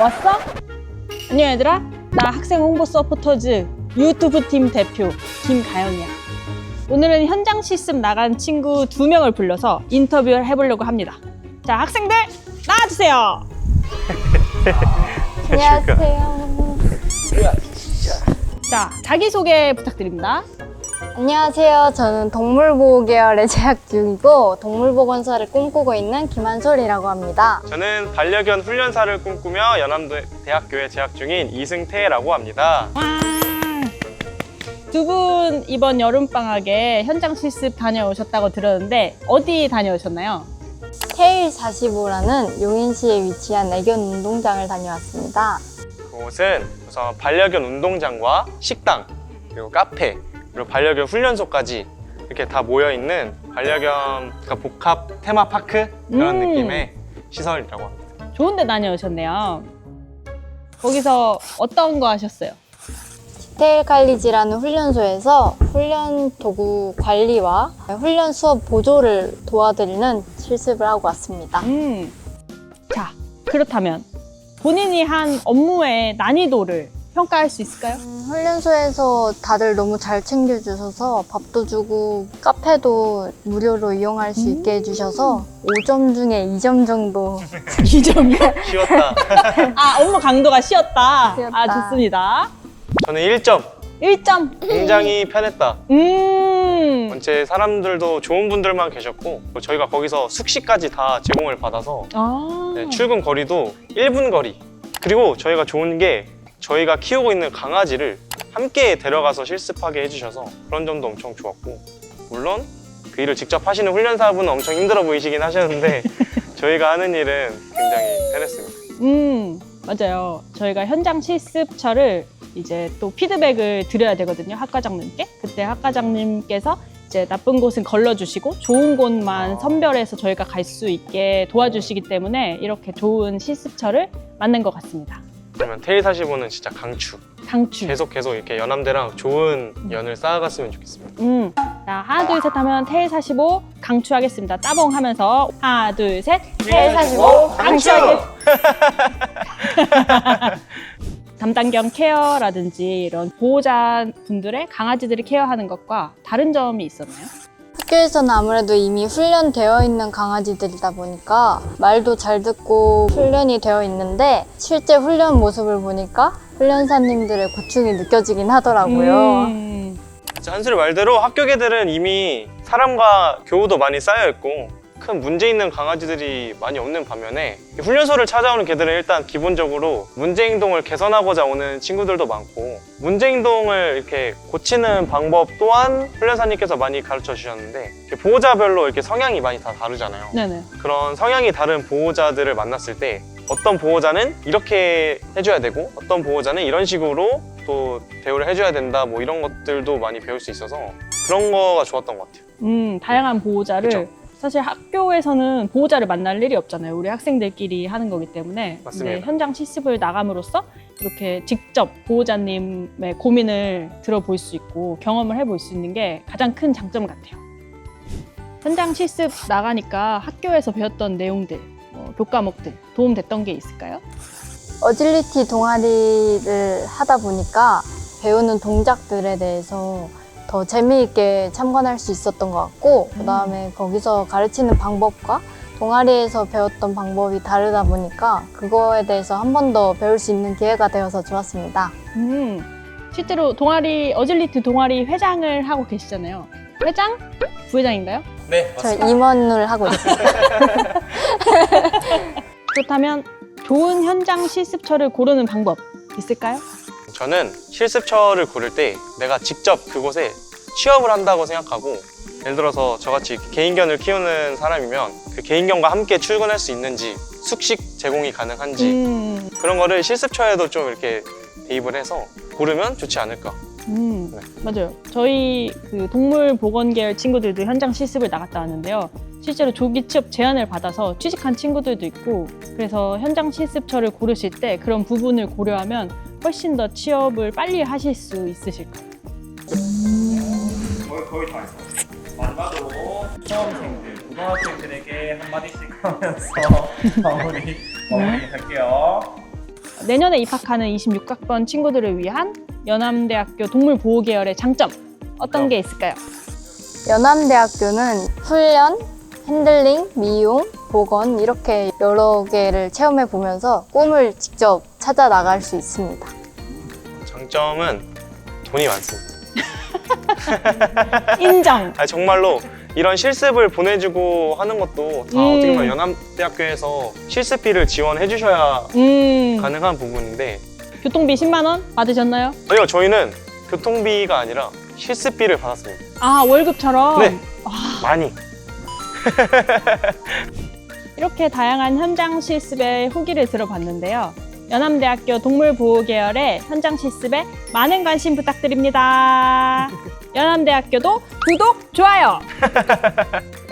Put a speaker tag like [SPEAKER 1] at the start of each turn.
[SPEAKER 1] 왔어? 안녕 얘들아, 나 학생 홍보 서포터즈 유튜브 팀 대표 김가영이야. 오늘은 현장 실습 나간 친구 2명을 불러서 인터뷰를 해보려고 합니다. 자, 학생들 나와주세요.
[SPEAKER 2] 안녕하세요.
[SPEAKER 1] 자, 자기소개 부탁드립니다.
[SPEAKER 2] 안녕하세요. 저는 동물보호 계열에 재학 중이고 동물보건사를 꿈꾸고 있는 김한솔이라고 합니다.
[SPEAKER 3] 저는 반려견 훈련사를 꿈꾸며 연암대학교에 재학 중인 이승태라고 합니다.
[SPEAKER 1] 두 분 이번 여름방학에 현장 실습 다녀오셨다고 들었는데 어디 다녀오셨나요?
[SPEAKER 2] 테일 45라는 용인시에 위치한 애견 운동장을 다녀왔습니다.
[SPEAKER 3] 그곳은 우선 반려견 운동장과 식당, 그리고 카페, 그리고 반려견 훈련소까지 이렇게 다 모여있는 반려견 복합 테마파크 그런 느낌의 시설이라고 합니다.
[SPEAKER 1] 좋은 데 다녀오셨네요. 거기서 어떤 거 하셨어요?
[SPEAKER 2] 디테일 칼리지라는 훈련소에서 훈련 도구 관리와 훈련 수업 보조를 도와드리는 실습을 하고 왔습니다.
[SPEAKER 1] 자, 그렇다면 본인이 한 업무의 난이도를 평가할 수 있을까요?
[SPEAKER 2] 훈련소에서 다들 너무 잘 챙겨주셔서 밥도 주고 카페도 무료로 이용할 수 있게 해주셔서 5점 중에 2점 정도
[SPEAKER 1] 2점이요?
[SPEAKER 3] 쉬웠다.
[SPEAKER 1] 아, 업무 강도가 쉬었다.
[SPEAKER 2] 쉬었다.
[SPEAKER 1] 아, 좋습니다.
[SPEAKER 3] 저는 1점.
[SPEAKER 1] 1점.
[SPEAKER 3] 굉장히 편했다. 전체 사람들도 좋은 분들만 계셨고 저희가 거기서 숙식까지 다 제공을 받아서 네, 출근 거리도 1분 거리. 그리고 저희가 좋은 게 저희가 키우고 있는 강아지를 함께 데려가서 실습하게 해주셔서 그런 점도 엄청 좋았고, 물론 그 일을 직접 하시는 훈련사분은 엄청 힘들어 보이시긴 하셨는데 저희가 하는 일은 굉장히 편했습니다.
[SPEAKER 1] 맞아요. 저희가 현장 실습처를 이제 또 피드백을 드려야 되거든요, 학과장님께. 그때 학과장님께서 이제 나쁜 곳은 걸러주시고 좋은 곳만 선별해서 저희가 갈 수 있게 도와주시기 때문에 이렇게 좋은 실습처를 만든 것 같습니다.
[SPEAKER 3] 그러면 테일 45는 진짜 강추.
[SPEAKER 1] 강추.
[SPEAKER 3] 계속 계속 연암대랑 좋은 연을 쌓아갔으면 좋겠습니다.
[SPEAKER 1] 자, 하나 둘 셋 하면 테일 45 강추하겠습니다. 따봉 하면서 하나 둘 셋
[SPEAKER 2] 테일 45
[SPEAKER 1] 강추하겠습니다. 담당견 케어라든지 이런 보호자분들의 강아지들을 케어하는 것과 다른 점이 있었나요?
[SPEAKER 2] 학교에서는 아무래도 이미 훈련되어 있는 강아지들이다 보니까 말도 잘 듣고 훈련이 되어 있는데 실제 훈련 모습을 보니까 훈련사님들의 고충이 느껴지긴 하더라고요.
[SPEAKER 3] 한솔이 말대로 학교 개들은 이미 사람과 교우도 많이 쌓여있고 큰 문제 있는 강아지들이 많이 없는 반면에 훈련소를 찾아오는 개들은 일단 기본적으로 문제 행동을 개선하고자 오는 친구들도 많고, 문제 행동을 이렇게 고치는 방법 또한 훈련사님께서 많이 가르쳐 주셨는데 보호자별로 이렇게 성향이 많이 다 다르잖아요.
[SPEAKER 1] 네네.
[SPEAKER 3] 그런 성향이 다른 보호자들을 만났을 때 어떤 보호자는 이렇게 해줘야 되고 어떤 보호자는 이런 식으로 또 대우를 해줘야 된다, 뭐 이런 것들도 많이 배울 수 있어서 그런 거가 좋았던 것 같아요.
[SPEAKER 1] 다양한 보호자를
[SPEAKER 3] 그쵸?
[SPEAKER 1] 사실 학교에서는 보호자를 만날 일이 없잖아요. 우리 학생들끼리 하는 거기 때문에.
[SPEAKER 3] 맞습니다.
[SPEAKER 1] 근데 현장 실습을 나감으로써 이렇게 직접 보호자님의 고민을 들어볼 수 있고 경험을 해볼 수 있는 게 가장 큰 장점 같아요. 현장 실습 나가니까 학교에서 배웠던 내용들, 교과목들 도움됐던 게 있을까요?
[SPEAKER 2] 어질리티 동아리를 하다 보니까 배우는 동작들에 대해서 더 재미있게 참관할 수 있었던 것 같고, 그다음에 거기서 가르치는 방법과 동아리에서 배웠던 방법이 다르다 보니까 그거에 대해서 한 번 더 배울 수 있는 기회가 되어서 좋았습니다.
[SPEAKER 1] 실제로 어질리티 동아리 회장을 하고 계시잖아요. 회장? 부회장인가요?
[SPEAKER 3] 네,
[SPEAKER 2] 저 임원을 하고 있어요.
[SPEAKER 1] 그렇다면 좋은 현장 실습처를 고르는 방법 있을까요?
[SPEAKER 3] 저는 실습처를 고를 때 내가 직접 그곳에 취업을 한다고 생각하고, 예를 들어서 저같이 개인견을 키우는 사람이면 그 개인견과 함께 출근할 수 있는지, 숙식 제공이 가능한지 그런 거를 실습처에도 좀 이렇게 대입을 해서 고르면 좋지 않을까.
[SPEAKER 1] 맞아요. 저희 그 동물보건 계열 친구들도 현장 실습을 나갔다 왔는데요. 실제로 조기 취업 제안을 받아서 취직한 친구들도 있고, 그래서 현장 실습처를 고르실 때 그런 부분을 고려하면 훨씬 더 취업을 빨리 하실 수 있으실까요?
[SPEAKER 4] 거의 다 했어. 마지막으로 수험생들, 고등학생들에게 한마디씩 하면서 마무리할게요.
[SPEAKER 1] 내년에 입학하는 26학번 친구들을 위한 연암대학교 동물보호 계열의 장점 어떤 게 있을까요?
[SPEAKER 2] 연암대학교는 훈련, 핸들링, 미용, 보건 이렇게 여러 개를 체험해 보면서 꿈을 직접 찾아 나갈 수 있습니다.
[SPEAKER 3] 장점은 돈이 많습니다.
[SPEAKER 1] 인정.
[SPEAKER 3] 정말로 이런 실습을 보내주고 하는 것도 다 어떻게 보면 연암대학교에서 실습비를 지원해 주셔야 가능한 부분인데
[SPEAKER 1] 교통비 10만 원 받으셨나요?
[SPEAKER 3] 저희는 교통비가 아니라 실습비를 받았습니다.
[SPEAKER 1] 아, 월급처럼?
[SPEAKER 3] 네, 많이.
[SPEAKER 1] 이렇게 다양한 현장 실습의 후기를 들어봤는데요. 연암대학교 동물보호 계열의 현장 실습에 많은 관심 부탁드립니다. 연암대학교도 구독, 좋아요!